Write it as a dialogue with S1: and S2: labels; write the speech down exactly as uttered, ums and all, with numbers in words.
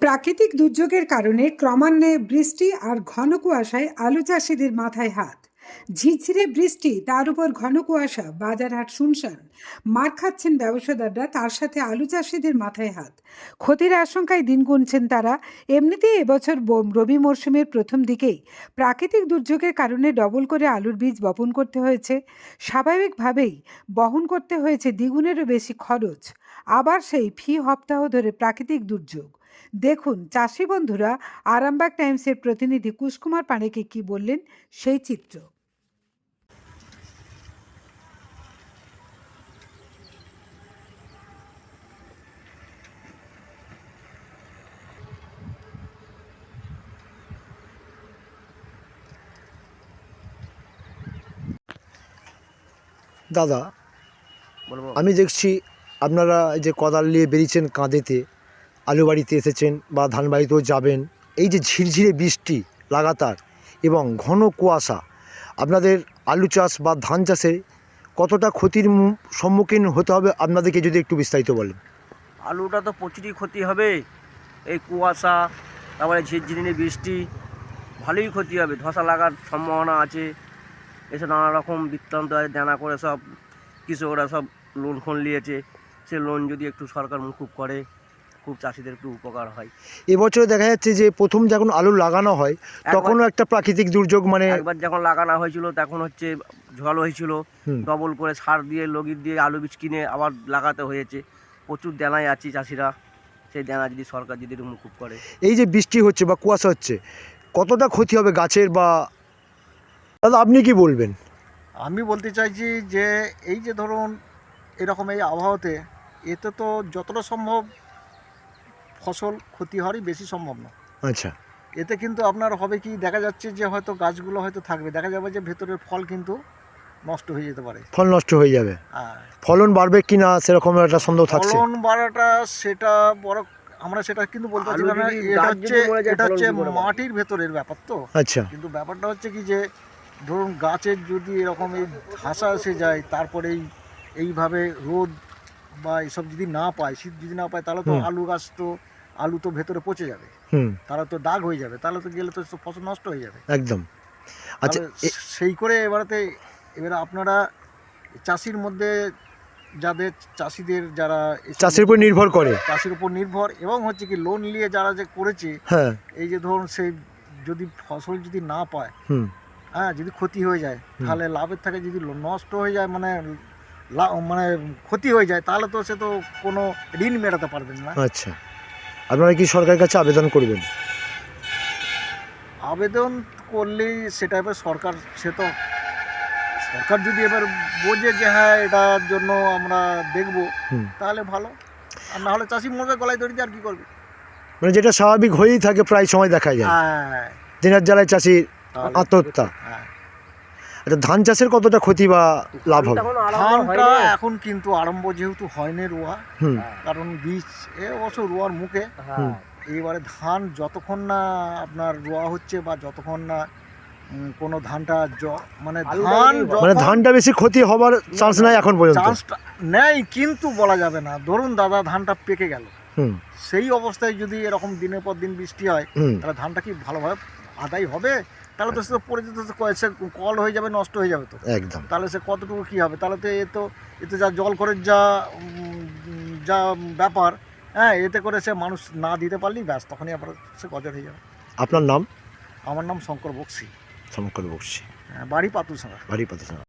S1: প্রাকৃতিক দুর্যোগের কারণে ক্রমান্বয়ে বৃষ্টি আর ঘন কুয়াশায় আলু চাষিদের মাথায় হাত। ঝিরঝিরে বৃষ্টি, তার উপর ঘন কুয়াশা, বাজার হাট শুনশান। মার খাচ্ছেন ব্যবসাদাররা, তার সাথে আলু চাষিদের মাথায় হাত। ক্ষতির আশঙ্কায় দিন গুনছেন তারা। এমনিতেই এবছর ব- রবি মরশুমের প্রথম দিকেই প্রাকৃতিক দুর্যোগের কারণে ডবল করে আলুর বীজ বপন করতে হয়েছে। স্বাভাবিকভাবেই বহন করতে হয়েছে দ্বিগুণেরও বেশি খরচ। আবার সেই ফি সপ্তাহ ধরে প্রাকৃতিক দুর্যোগ। দেখুন চাষি বন্ধুরা আরামবাগ টাইমসের প্রতিনিধি কুশকুমার পাঁডেকে কি বললেন সেই চিত্র।
S2: দাদা,
S3: বলবো
S2: আমি দেখছি আপনারা এই যে কোদাল নিয়ে বেরিয়েছেন কাঁধেতে, আলু বাড়িতে এসেছেন বা ধান বাড়িতেও যাবেন, এই যে ঝিরঝিরে বৃষ্টি লাগাতার এবং ঘন কুয়াশা আপনাদের আলু চাষ বা ধান চাষে কতটা ক্ষতির মু- সম্মুখীন হতে হবে আপনাদেরকে যদি একটু বিস্তারিত বলেন।
S3: আলুটা তো প্রচুরই ক্ষতি হবে। এই কুয়াশা, তারপরে ঝিরঝিরিনি বৃষ্টি, ভালোই ক্ষতি হবে। ধসা লাগার সম্ভাবনা আছে। এসব নানা রকম বৃত্তান্ত আছে, দেনা করে সব কৃষকরা সব লোন ফোন নিয়েছে। সে লোন যদি একটু সরকার মুকুব করে, খুব চাষিদের একটু উপকার হয়।
S2: এবছরে দেখা যাচ্ছে যে প্রথম যখন আলু লাগানো হয় তখনও একটা প্রাকৃতিক দুর্যোগ, মানে
S3: একবার যখন লাগানো হয়েছিল তখন হচ্ছে ঝড় হয়েছিল,
S2: হুম।
S3: ডবল করে সার দিয়ে লগির দিয়ে আলু বীজ কিনে আবার লাগাতে হয়েছে। প্রচুর দেনায় আছি চাষিরা। সেই দেনা যদি সরকার যদি একটু মুকুব করে।
S2: এই যে বৃষ্টি হচ্ছে বা কুয়াশা হচ্ছে কতটা ক্ষতি হবে গাছের, বা দাদা আপনি কি বলবেন?
S4: আমি বলতে চাইছি যে এই যে ধরুন এরকম এই আবহাওয়াতে এতে তো যতটা সম্ভব ফসল ক্ষতি হওয়ারই বেশি সম্ভব না।
S2: আচ্ছা,
S4: এতে কিন্তু আপনার হবে কি, দেখা যাচ্ছে যে হয়তো গাছগুলো হয়তো থাকবে, দেখা যাবে যে ভেতরের ফল কিন্তু নষ্ট হয়ে যেতে পারে।
S2: ফল নষ্ট হয়ে যাবে,
S4: আর
S2: ফলন বাড়বে কিনা সেরকম একটা সন্দেহ থাকছে।
S4: ফলন বাড়াটা সেটা বড়, আমরা সেটা কিন্তু বলতে পারছি
S3: আলু
S4: না।
S3: যদি
S4: এটা
S3: গাছ
S4: হচ্ছে
S3: যদি মরে যায়,
S4: এটা
S3: ফলন
S4: হচ্ছে
S3: কি করে বাড়বে?
S4: মাটির ভেতরের ব্যাপার তো।
S2: আচ্ছা,
S4: কিন্তু ব্যাপারটা হচ্ছে কি যে ধরুন গাছের যদি এরকম এই ধসা এসে যায়, তারপরে এই এইভাবে রোদ বা এসব যদি না পায়, শীত যদি না পায়, তাহলে তো
S2: হুম।
S4: আলু গাছ তো আলু তো ভেতরে পচে যাবে,
S2: হুম,
S4: তাহলে তো দাগ হয়ে যাবে, তাহলে তো গেলে তো সব ফসল নষ্ট হয়ে যাবে।
S2: একদম। আচ্ছা,
S4: তাহলে
S2: এ-
S4: সেই করে এবারেতে এবারে আপনারা চাষির মধ্যে যাদের চাষিদের যারা এসব
S2: চাষের উপর নির্ভর করে।
S4: চাষির উপর নির্ভর, এবং হচ্ছে কি লোন নিয়ে যারা যে করেছে,
S2: হ্যাঁ,
S4: এই যে ধরুন সেই যদি ফসল যদি না পায়,
S2: হুম,
S4: হ্যাঁ, যদি ক্ষতি হয়ে যায়, তাহলে লাভের থেকে যদি ল- নষ্ট হয়ে যায়, মানে লা- মানে ক্ষতি হয়ে যায়, তাহলে তো সে তো কোনো ঋণ মেটাতে পারবেন না।
S2: আচ্ছা, আপনারা কি সরকারের কাছে আবেদন করবেন?
S4: আবেদন করলেই সেটা এবার সরকার, সে তো সরকার যদি এবার বোঝে যে হ্যাঁ এটার জন্য আমরা দেখব,
S2: হুম,
S4: তাহলে ভালো। আর না হলে চাষি মরবে গলায় দড়ি দিয়ে, আর কি করবে।
S2: মানে যেটা স্বাভাবিক হয়েই থাকে, প্রায় সময় দেখা যায়
S4: হ্যাঁ,
S2: দিনের জ্বালায় চাষির
S4: তাহলে-
S2: আত্মহত্যা।
S4: হ্যাঁ।
S2: আচ্ছা, ধান চাষের কতটা ক্ষতি বা লাভ হবে?
S3: তখন আরম্ভ
S4: ধানটা
S3: হয়নি।
S4: এখন কিন্তু আরম্ভ যেহেতু হয়নি রোয়া,
S2: হুম,
S4: কারণ বীজ এ অবশ্য রোয়ার মুখে।
S3: হ্যাঁ।
S4: এইবারে ধান যতক্ষণ না আপনার রোয়া হচ্ছে বা যতক্ষণ না উম, কোনো ধানটা জ- মানে
S3: আলুটা
S4: ধান
S3: যদি-
S4: যখন-
S2: মানে ধানটা বেশি ক্ষতি হবার চান্স নাই এখন পর্যন্ত।
S4: চান্সটা নেই, কিন্তু বলা যাবে না। ধরুন দাদা ধানটা পেকে গেল,
S2: হুম,
S4: সেই অবস্থায় যদি এরকম দিনের পর দিন বৃষ্টি হয়,
S2: হুম,
S4: তাহলে ধানটা কি ভালোভাবে আদায় হবে? তাহলে তো সে তো পড়ে যেতে, সে কল হয়ে যাবে, নষ্ট হয়ে যাবে তো।
S2: একদম।
S4: তাহলে সে কতটুকু কী হবে? তাহলে তো এ তো এতে যা জল করে যা উম, যা ব্যাপার, হ্যাঁ, এতে করে সে মানুষ না দিতে পারলেই ব্যাস, তখনই আবার সে গজর হয়ে যাবে।
S2: আপনার নাম?
S4: আমার নাম শঙ্কর বক্সি,
S2: শঙ্কর বক্সি,
S4: হ্যাঁ, বাড়ি পাতুলসাঙ্গা।
S2: বাড়ি পাতা।